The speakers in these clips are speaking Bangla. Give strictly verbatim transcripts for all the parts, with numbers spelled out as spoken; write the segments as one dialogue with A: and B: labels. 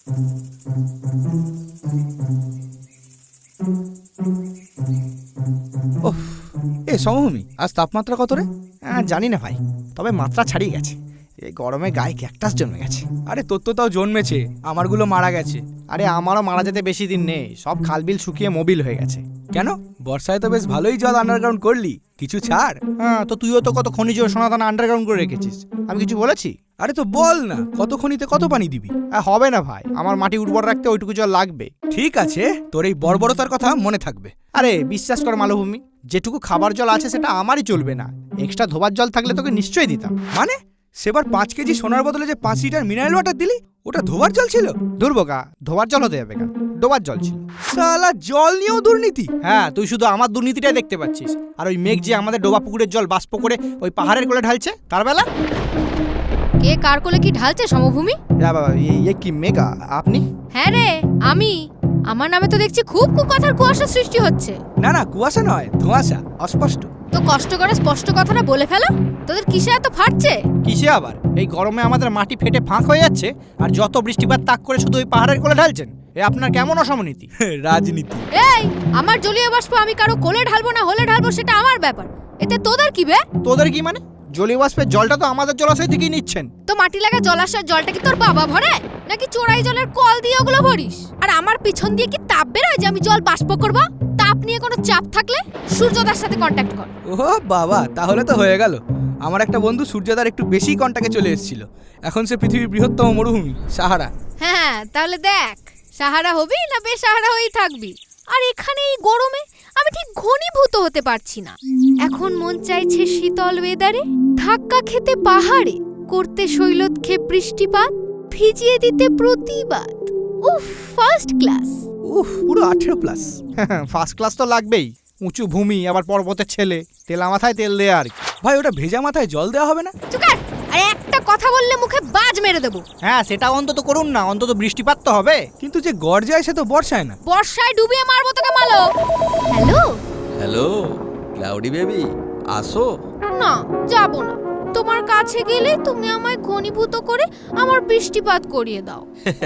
A: ওহ, এ সমভূমি, আজ তাপমাত্রা কত রে?
B: জানি না ভাই, তবে মাত্রা ছাড়িয়ে গেছে। এই গরমে গায়ে ক্যাকটাস জন্মে গেছে।
A: আরে তোর তো তাও জন্মেছে, আমারগুলো মারা গেছে।
B: আরে আমারও মারা যেতে বেশি দিন নেই, সব খালবিল শুকিয়ে মোবিল হয়ে গেছে।
A: কেন, বর্ষায় তো বেশ ভালোই জল আন্ডারগ্রাউন্ড করলি, কিছু ছাড়।
B: হ্যাঁ, তো তুইও তো কত খনিজ সোনাদানা আন্ডারগ্রাউন্ড করে রেখেছিস, আমি কিছু বলেছি?
A: আরে তো বল না, কত খনিতে কত পানি দিবি?
B: হবে না ভাই, আমার মাটি উর্বর রাখতে ওইটুকু জল লাগবে।
A: ঠিক আছে, তোর এই বর্বরতার কথা মনে থাকবে।
B: আরে বিশ্বাস কর মালভূমি, যেটুকু খাবার জল আছে সেটা আমারই চলবে না, এক্সট্রা ধোবার জল থাকলে তোকে নিশ্চয়ই দিতাম।
A: মানে সেবার পাঁচ কেজি সোনার বদলে যে পাঁচ লিটার মিনারেল ওয়াটার দিলি, ওটা ধোবার জল ছিল?
B: দুর্বোকা, ধোবার জল হতে যাবে কেন, ডোবার জল ছিল।
A: শালা জল নিয়েও দুর্নীতি?
B: হ্যাঁ, তুই শুধু আমার দুর্নীতিটাই দেখতে পাচ্ছিস, আর ওই মেঘ যে আমাদের ডোবা পুকুরের জল বাষ্প করে ওই পাহাড়ের কোলে ঢালছে, তার বেলা
C: কে কার কোলে কি ঢালছে সমভূমি?
B: বাবা, এ কি মেঘা আপনি?
C: হ্যাঁ রে, আমি। আমার নামে তো দেখছি খুব কুকথার কুয়াশা সৃষ্টি হচ্ছে।
A: না না, কুয়াশা নয়, ধোঁয়াশা, অস্পষ্ট।
C: তো কষ্ট করে স্পষ্ট কথাটা বলে ফেলো, তোদের কিসে এত ফাটছে?
B: কিসে আবার? এই গরমে আমাদের মাটি ফেটে ফাঁক হয়ে যাচ্ছে, আর যত বৃষ্টিপাত তাক করে শুধু ওই পাহাড়ের কোলে ঢালছেন। এ আপনার কেমন অসমনীতি?
A: রাজনীতি।
C: এই, আমার জলীয় বাষ্প আমি কারো কোলে ঢালবো না হলে ঢালবো সেটা আমার ব্যাপার, এতে তোদের কি বে?
B: তোদের কি মানে? জলীয় বাষ্পের জলটা তো আমাদের জলাশয় থেকেই নিচ্ছেন।
C: তো মাটি লাগা জলাশয়ের জলটা কি তোর বাবা ভরে, নাকি চোরাই জলের কল দিয়ে ওগুলো ভরিস? আর আমার পিছন দিয়ে কি তাপ বেরোয় যে আমি জল বাষ্প করব? তাপ নিয়ে কোনো চাপ থাকলে সূর্যদার সাথে কন্ট্যাক্ট কর।
A: ও বাবা, তাহলে তো হয়ে গেল। আমার একটা বন্ধু সূর্যদার একটু বেশি কন্টাক্টে চলে এসেছিল, এখন সে পৃথিবীর বৃহত্তম মরুভূমি সাহারা।
C: হ্যাঁ, তাহলে দেখ, সাহারা হবি না বেসাহারা হয়েই থাকবি। আর এখানে এই গরমে আমি ঠিক ঘনীভূত হতে পারছি না। এখন মন চাইছে শীতল ওয়েদারে ধাক্কা খেতে পাহাড়ে, করতে শৈলতক্ষে বৃষ্টিপাত, ভিজিয়ে দিতে প্রতিবাদ। উফ, ফার্স্ট ক্লাস।
A: উফ, পুরো আঠেরো প্লাস।
B: ফার্স্ট ক্লাস তো লাগবেই, উঁচু ভূমি, আবার পর্বতের ছেলে, তেলা মাথায় তেল দেয়া আর কি।
A: ভাই, ওটা ভেজা মাথায় জল দেওয়া হবে না?
C: চুকার, আর একটা কথা বললে মুখে বাজ মেরে দেবো।
B: হ্যাঁ, সেটা অন্তত করুন না, অন্তত বৃষ্টিপাত তো হবে।
A: কিন্তু যে গড় যায় সে তো বর্ষায় না।
C: বর্ষায় ডুবিয়ে মারবো তোকে মালো। হ্যালো
D: হ্যালো ক্লাউডি বেবি, আসো।
C: না, যাব না। তোমার কাছে গেলে তুমি আমায় ঘনীভূত করে আমার বৃষ্টিপাত করিয়ে দাও।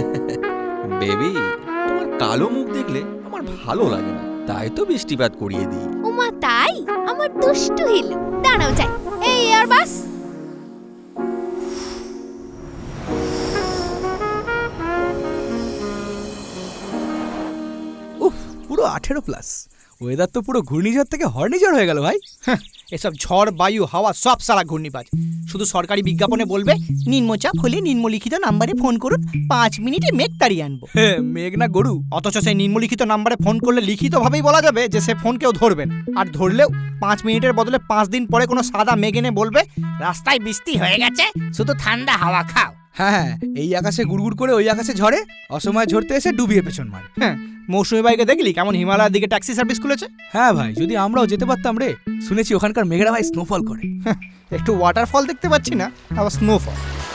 D: বেবি, তোমার কালো মুখ দেখলে আমার ভালো লাগে না, তাই তো বৃষ্টিপাত করিয়ে দিই।
C: ওমা তাই? আমার দুষ্টু হিল, দাঁড়াও যাই। এই আর বাস।
A: উফ, পুরো আঠেরো প্লাস। ওয়েদার তো পুরো ঘূর্ণিঝড় থেকে হর্নিঝড় হয়ে গেল ভাই।
B: এসব ঝড়, বায়ু, হাওয়া সব সারা ঘূর্ণিপাত। শুধু সরকারি বিজ্ঞাপনে বলবে নিম্নচাপ হলে নিম্নলিখিত নাম্বারে ফোন করুন, পাঁচ মিনিটে মেঘ তাড়িয়ে আনবো।
A: মেঘ না গরু।
B: অথচ সেই নিম্নলিখিত নাম্বারে ফোন করলে লিখিতভাবেই বলা যাবে যে সে ফোন কেউ ধরবেন, আর ধরলেও পাঁচ মিনিটের বদলে পাঁচ দিন পরে কোনো সাদা মেঘ এনে বলবে রাস্তায় বৃষ্টি হয়ে গেছে, শুধু ঠান্ডা হাওয়া খাও।
A: হ্যাঁ হ্যাঁ, এই আকাশে গুড়গুড় করে ওই আকাশে ঝড়ে, অসময় ঝরতে এসে ডুবিয়ে পেছন মারে।
B: হ্যাঁ, মৌসুমী বাইকে দেখলি কেমন হিমালয়ের দিকে ট্যাক্সি সার্ভিস খুলেছে?
A: হ্যাঁ ভাই, যদি আমরাও যেতে পারতাম রে। শুনেছি ওখানকার মেঘেরা ভাই স্নোফল করে।
B: একটু ওয়াটারফল দেখতে পাচ্ছি না, আবার স্নোফল।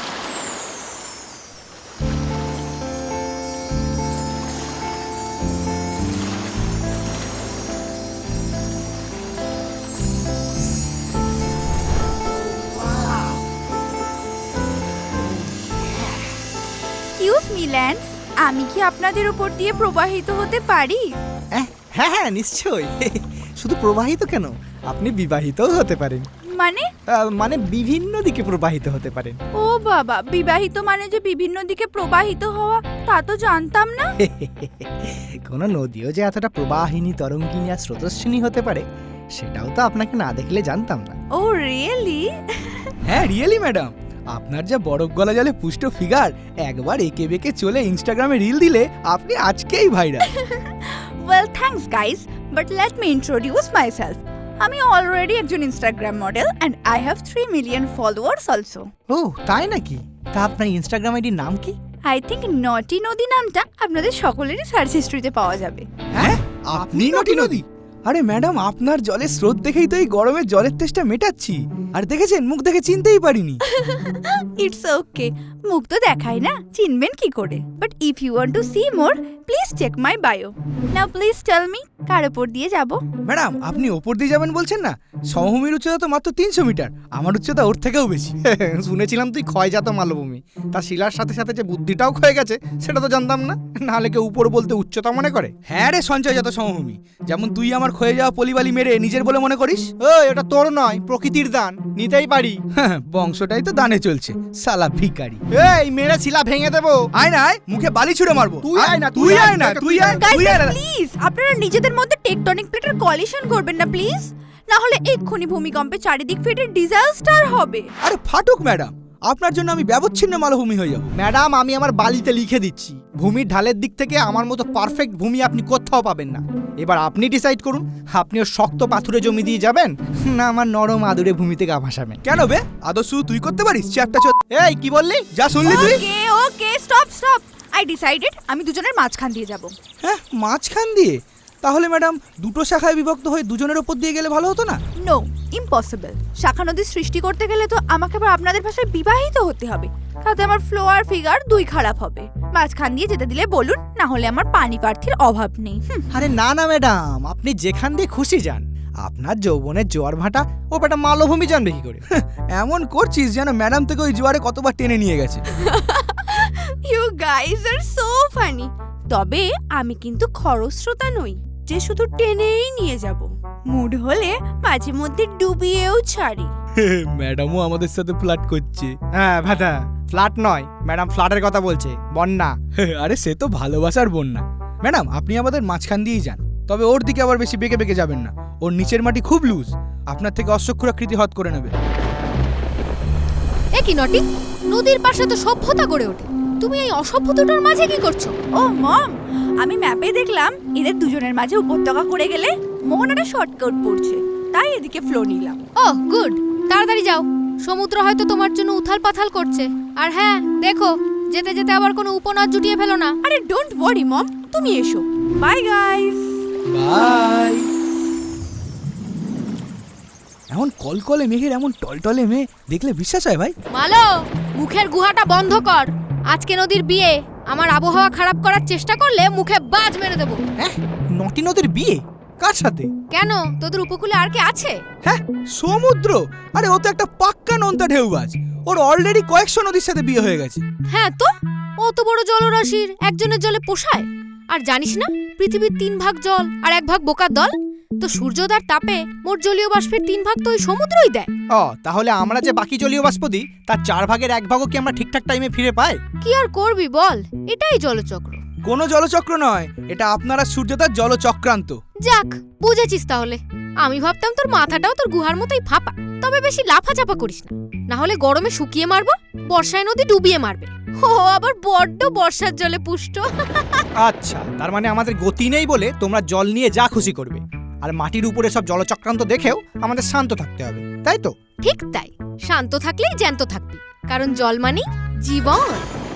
E: এক্সকিউজ মি ল্যান্স, আমি কি আপনাদের উপর দিয়ে প্রবাহিত হতে পারি?
B: হ্যাঁ হ্যাঁ, নিশ্চয়ই। শুধু প্রবাহিত কেন, আপনি বিবাহিতও হতে পারেন।
E: মানে?
B: আহ, মানে বিভিন্ন দিকে প্রবাহিত হতে পারেন।
E: ও বাবা, বিবাহিত মানে যে বিভিন্ন দিকে প্রবাহিত হওয়া, তা তো জানতাম না।
B: কোনো নদীও যে এতটা প্রবাহিনী, তরঙ্গিনী আর স্রোতস্বিনী হতে পারে, সেটাও তো আপনাকে না দেখলে জানতাম না।
E: Oh really?
A: হ্যাঁ রিয়েলি ম্যাডাম, আপনার যা বরফ গলা জলে পুষ্ট ফিগার, একবার একে বেঁকে চলে ইনস্টাগ্রামে রিল দিলে আপনি আজকেই viral.
E: Well thanks guys, but let me introduce myself. আমি অলরেডি একজন Instagram model and I have three million followers also.
B: ও তাই নাকি? তা আপনার ইনস্টাগ্রাম আইডির নাম কি?
E: আই থিঙ্ক নটি নদী নামটা আপনাদের সকলেরই সার্চ হিস্ট্রিতে পাওয়া যাবে।
A: হ্যাঁ, আপনি নটি নদী? আরে ম্যাডাম, আপনার জলের স্রোত দেখেই তো এই গরমে জলের তেষ্টা মেটাচ্ছি। আর দেখেছেন, মুখ দেখে চিনতেই পারিনি।
E: ইটস ওকে, মুখ তো দেখাই না, চিনবেন কি করে? But if you want to see more, please check my bio. Now please tell me, কার উপর দিয়ে যাব?
A: ম্যাডাম, আপনি ওপর দিয়ে যাবেন বলছেন না? সমভূমির উচ্চতা তো মাত্র তিনশো মিটার, আমার উচ্চতা ওর থেকেও বেশি।
B: শুনেছিলাম তুই ক্ষয়জাত মালভূমি, তার শিলার সাথে সাথে যে বুদ্ধিটাও ক্ষয়ে গেছে সেটা তো জানতাম না। নাহলে কেউ উপর বলতে উচ্চতা মনে করে?
A: হ্যাঁ রে সঞ্চয়জাত সমভূমি, যেমন তুই আমার ক্ষয়ে যাওয়া পলিবালি মেরে নিজের বলে মনে করিস।
B: ওই, ওটা তোর নয়, প্রকৃতির দান, নিতেই পারি।
A: হ্যাঁ, বংশটাই তো দানে চলছে, সালা ভিখারি।
B: এই, মেরে শিলা ভেঙে দেবো।
A: আয় না আয়, মুখে বালি ছুঁড়ে মারবো।
B: তুই আয় না,
A: তুই আয় না, তুই আয়,
E: গাইস
A: তুই আয় না।
E: প্লিজ, আপনারা নিজেদের মধ্যে টেকটনিক প্লেটের কলিশন করবেন না প্লিজ, না হলে এক্ষুনি ভূমিকম্পে চারিদিক ফেটে ডিজাস্টার হবে।
A: আরে ফাটুক ম্যাডাম, আপনার জন্য আমি ব্যবচ্ছিন্ন মালভূমি হয়ে যাব।
B: ম্যাডাম, আমি আমার বালিতে লিখে দিচ্ছি, ভূমির ঢালের দিক থেকে আমার মতো পারফেক্ট ভূমি আপনি কোথাও পাবেন না। এবার আপনি ডিসাইড করুন, আপনিও শক্ত পাথুরে জমি দিয়ে যাবেন, না আমার নরম আদুরে ভূমিতে গা ভাসাবেন।
A: কেন বে, আদর্শ তুই করতে পারিস চ্যাপটা চোদ?
B: এই, কি বললি?
A: যা শুনলি তুই?
E: Okay okay, stop stop, I decided আমি দুজনের মাঝখান দিয়ে যাব।
A: হ্যাঁ, মাঝখান দিয়ে? তাহলে ম্যাডাম, দুটো শাখায় বিভক্ত হয়ে দুজনের ওপর দিয়ে গেলে ভালো হতো না?
E: No, impossible. শাখা নদীর সৃষ্টি করতে গেলে তো আমাকে আবার আপনাদের ভাষায় বিবাহিত হতে হবে, তাতে আমার ফ্লো আর ফিগার দুই খারাপ হবে। মাঝখান দিয়ে যেতে দিলে বলুন, না হলে আমার পানি প্রার্থীর অভাব নেই। হুম,
B: আরে না না ম্যাডাম, আপনি যেখান দিয়ে খুশি যান, আপনার যৌবনের জোয়ার ভাটা ও বেটা মালভূমি জানবে কি করে?
A: এমন করছিস যেন ম্যাডাম থেকে ওই জোয়ারে কতবার টেনে নিয়ে গেছে।
E: You guys are so funny. তবে আমি কিন্তু খরস্রোতা নই যে শুধু টেনেই নিয়ে যাব, মুড হলে মাঝে মধ্যে ডুবিয়েও ছাড়ি।
A: ম্যাডামও আমাদের সাথে ফ্লার্ট করছে।
B: হ্যাঁ ভাটা, ফ্ল্যাট নয় ম্যাডাম, ফ্ল্যাটের কথা বলছে, বন্যা।
A: আরে সে তো ভালোবাসার বন্যা। ম্যাডাম, আপনি আমাদের মাঝখান দিয়েই যান, তবে ওর দিকে আবার বেশি বেঁকে বেঁকে যাবেন না, ওর নিচের মাটি খুব লুজ, আপনার থেকে অশ্বক্ষুরাকৃতি হত করে নেবে।
C: এ কি নটি, নদীর পাশে তো সভ্যতা গড়ে ওঠে, তুমি এই অসভ্য দুটোর মাঝে কি করছো?
E: ও মম, আমি ম্যাপে দেখলাম এদের দুজনের মাঝে উপত্যকা করে গেলে মোহনাটা শর্টকাট পড়ছে, তাই এদিকে ফ্লো নিলাম।
C: ও গুড, তাড়াতাড়ি যাও, সমুদ্র হয়তো তোমার জন্য উথাল পাথাল করছে। আর হ্যাঁ, দেখো যেতে যেতে আবার কোনো উপনাদ জুটিয়ে ফেলো না।
E: আরে ডোন্ট ওয়ারি মম, তুমি এসো। Bye guys.
A: বাই। এমন কলকলে মেঘের এমন টলটলে মেয়ে দেখলে বিশ্বাস হয় ভাই?
C: মালো, মুখের গুহাটা বন্ধ কর। আজকে নদীর বিয়ে, আমার আবহাওয়া খারাপ করার চেষ্টা করলে মুখে বাজ মেরে দেবো।
B: হ্যাঁ, নটি নদীর বিয়ে কার সাথে?
C: কেন, তোদের উপকূলে আর কে আছে?
A: হ্যাঁ, সমুদ্র? আরে ও তো একটা পাক্কা নোনতা ঢেউবাজ, ওর অলরেডি কয়েকশো নদীর সাথে বিয়ে হয়ে গেছে।
C: হ্যাঁ তো, অত বড় জলরাশির একজনের জলে পোষায়? আর জানিস না, পৃথিবীর তিন ভাগ জল আর এক ভাগ বোকার দল, তো সূর্যোদয়ের তাপে মোট জলীয় বাষ্পের তিন ভাগ তো ওই সমুদ্রই দেয়।
B: ও, তাহলে আমরা যে বাকি জলীয় বাষ্প দিই তার চার ভাগের এক ভাগও কি আমরা ঠিকঠাক টাইমে ফিরে পাই?
C: কি আর করবি বল, এটাই জলচক্র।
A: কোনো জলচক্র নয়, এটা আপনারা সূর্যতার জলচক্রান্ত।
C: যাক, বুঝেছিস তাহলে। আমি ভাবতাম তোর মাথাটাও তোর গুহার মতোই ফাঁপা। তবে বেশি লাফাচাপা করিস না, না হলে গরমে শুকিয়ে মারবো, বর্ষায় নদী ডুবিয়ে মারবে। ও আবার বড্ড বর্ষার জলে পুষ্ট।
B: আচ্ছা, তার মানে আমাদের গতি নেই বলে তোমরা জল নিয়ে যা খুশি করবে, আর মাটির উপরে সব জলচক্রান্ত দেখেও আমাদের শান্ত থাকতে হবে, তাই তো?
C: ঠিক তাই, শান্ত থাকলেই জ্যান্ত থাকবি, কারণ জল মানে জীবন।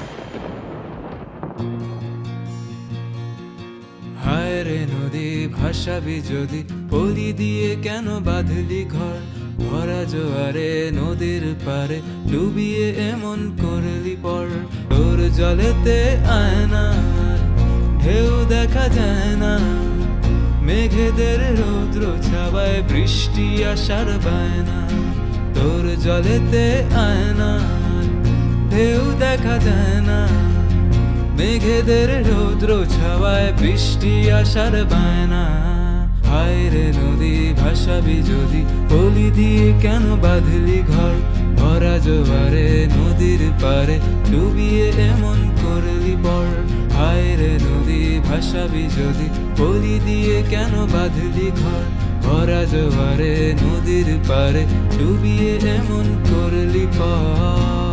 F: হায় রে নদী, ভাসাবি যদি, পলি দিয়ে কেন বাঁধলি ঘর? ভরা জোয়ারে নদীর পারে ডুবিয়ে এমন করলি পর। তোর জলেতে আয়না ঢেউ দেখা যায় না, মেঘেদের রৌদ্র ছাওয়ায় বৃষ্টি আসার বায়না। তোর জলেতে আয়না ঢেউ দেখা যায় না, মেঘেদের রৌদ্র ছাওয়ায় বৃষ্টি আসার বায়না। হায় রে নদী, ভাসাবি যদি, পলি দিয়ে কেন বাঁধলি ঘর? ভরা জোয়ারে নদীর পারে ডুবিয়ে এমন করলি পর। হায় রে নদী, ভাসাবি যদি, পলি দিয়ে কেন বাঁধলি ঘর? ভরা জোয়ারে নদীর পারে ডুবিয়ে এমন করলি পর।